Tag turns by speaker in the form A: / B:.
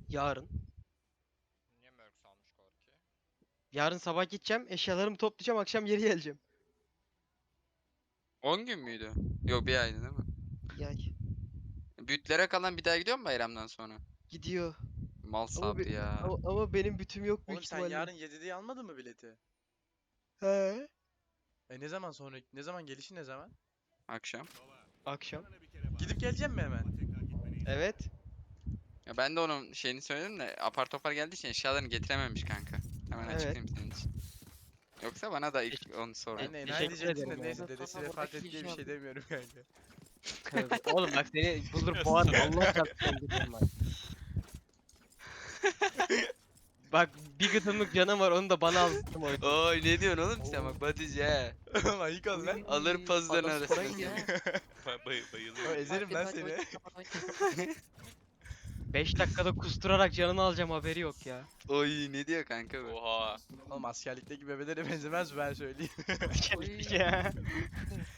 A: Yarın.
B: Niye Merks almışlar ki?
A: Yarın sabah gideceğim. Eşyalarımı toplayacağım. Akşam geri geleceğim.
C: 10 gün müydü? Yok, bir aydı değil mi?
A: Bir ay.
C: Bütlere kalan bir daha gidiyor mu bayramdan sonra?
A: Gidiyor.
C: Mal
A: Ama,
C: Sabri ya.
A: ama benim bütüm yok büyük
D: Oğlum sen
A: ihtimalle.
D: yarın 7'de almadın mı bileti?
A: He.
D: Ne zaman sonra ne zaman gelişi ne zaman?
C: Akşam.
A: Akşam.
D: Gidip geleceğim mi hemen?
A: Evet.
C: Ya ben de onun şeyini söyledim de apar topar geldiği için eşyalarını getirememiş kanka. Hemen
A: Evet.
C: açıklayayım senin için. Yoksa bana da ilk onu
D: Ben
C: sordu.
D: de enayi
A: Teşekkür
D: diyeceksin de
A: ederim
D: neyse
A: yani.
D: dedesi vefat etti diye bir şey demiyorum kanka.
A: Tövbe. Oğlum bak seni bulur boğarım. Allah çarpsın öldürürüm bak. Bak bir gıdımlık canım var onu da bana aldım oydu.
C: Oy ne diyorsun oğlum sen bak Batice he.
D: Ayık ol lan.
C: Alır pazıların
E: Adaspora
C: arasına.
E: gidiyor.
D: O ezerim lan seni.
A: 5 dakikada kusturarak canını alacağım haberi yok ya.
C: Oy ne diyor kanka bu?
B: Oha.
D: Oğlum askerlikteki bebelere benzemez ben söyleyeyim.
A: Ya.